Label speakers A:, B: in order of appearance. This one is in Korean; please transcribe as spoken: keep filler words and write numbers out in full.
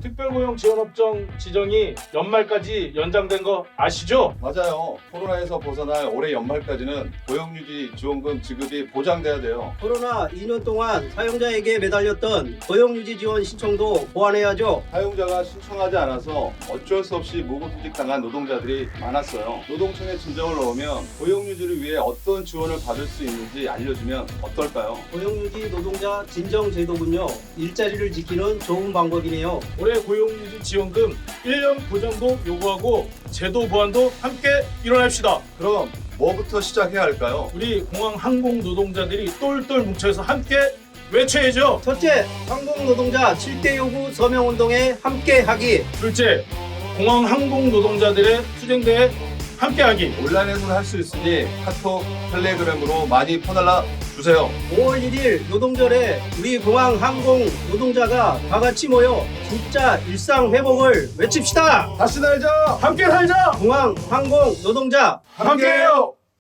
A: 특별고용지원업종 지정이 연말까지 연장된 거 아시죠?
B: 맞아요. 코로나에서 벗어날 올해 연말까지는 고용유지 지원금 지급이 보장돼야 돼요.
C: 코로나 이 년 동안 사용자에게 매달렸던 고용유지 지원 신청도 보완해야죠.
B: 사용자가 신청하지 않아서 어쩔 수 없이 무급휴직당한 노동자들이 많았어요. 노동청에 진정을 넣으면 고용유지를 위해 어떤 지원을 받을 수 있는지 알려주면 어떨까요?
C: 고용유지 노동자 진정 제도군요. 일자리를 지키는 좋은 방법이네요.
A: 올해 고용유지 지원금 일 년 보장도 요구하고 제도 보완도 함께 일어납시다.
B: 그럼 뭐부터 시작해야 할까요?
A: 우리 공항 항공 노동자들이 똘똘 뭉쳐서 함께 외쳐야죠.
C: 첫째, 항공 노동자 칠 대 요구 서명 운동에 함께하기.
A: 둘째, 공항 항공 노동자들의 투쟁대에 함께하기.
B: 온라인에서는 할 수 있으니 카톡, 텔레그램으로 많이 퍼날라 주세요.
C: 오월 일일 노동절에 우리 공항 항공 노동자가 다 같이 모여 진짜 일상 회복을 외칩시다.
B: 다시 날자!
A: 함께 살자.
C: 공항 항공 노동자
A: 함께해요.